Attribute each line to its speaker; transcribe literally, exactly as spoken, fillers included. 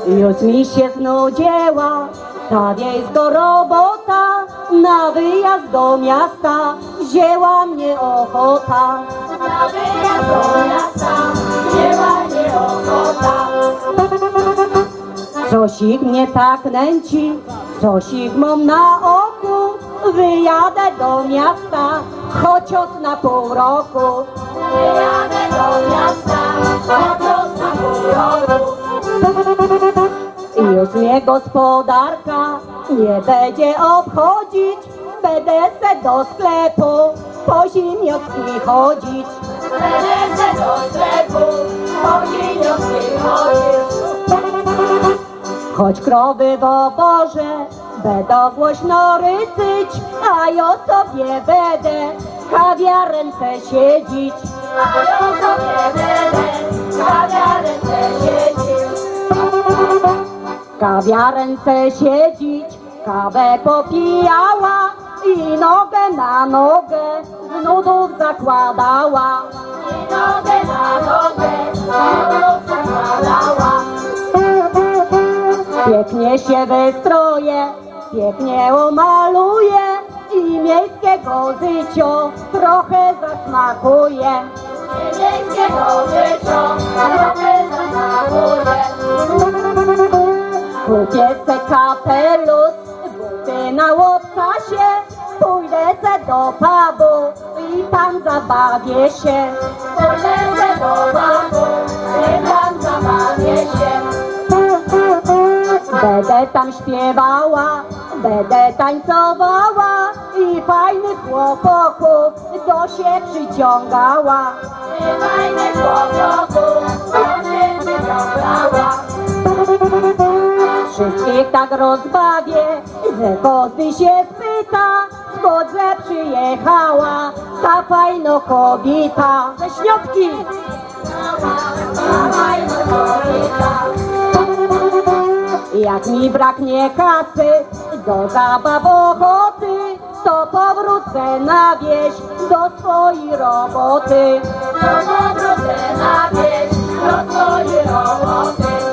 Speaker 1: Już mi się znudziła ta wiejsko robota, na wyjazd do miasta wzięła mnie ochota. Na wyjazd do miasta wzięła mnie ochota. Coś ich mnie tak nęci, coś ich mam na oku, wyjadę do miasta, chociaż na pół roku. Wyjadę do miasta, chociaż na pół roku. Już mnie gospodarka nie będzie obchodzić, będę se do sklepu po ziemniaczki chodzić. Będę se do sklepu po ziemniaczki chodzić. Choć krowy w oborze będą głośno rycyć, a ja sobie będę w kawiarence siedzieć. A ja sobie będę w kawiarence siedzieć. W kawiarence siedzieć, kawę popijała i nogę na nogę z nudów zakładała. I nogę na nogę z nudów zakładała. Pięknie się wystroje, pięknie umaluje i miejskiego życia trochę zasmakuje. I miejskiego życia trochę zasmakuje. Kupię se kapelusz, buty na łopcasie, pójdę se do pubu i tam zabawię się. Pójdę se do pubu i tam zabawię się. Będę tam śpiewała, będę tańcowała i fajnych chłopaków do się przyciągała. I fajnych chłopaków do się przyciągała. Wszystkich tak rozbawię, że każdy się spyta, skąd przyjechała ta fajna kobieta. Ze Śniotki! Ta fajna kobieta. Jak mi braknie kasy do zabaw ochoty, to powrócę na wieś do swojej roboty. To powrócę na wieś do swojej roboty.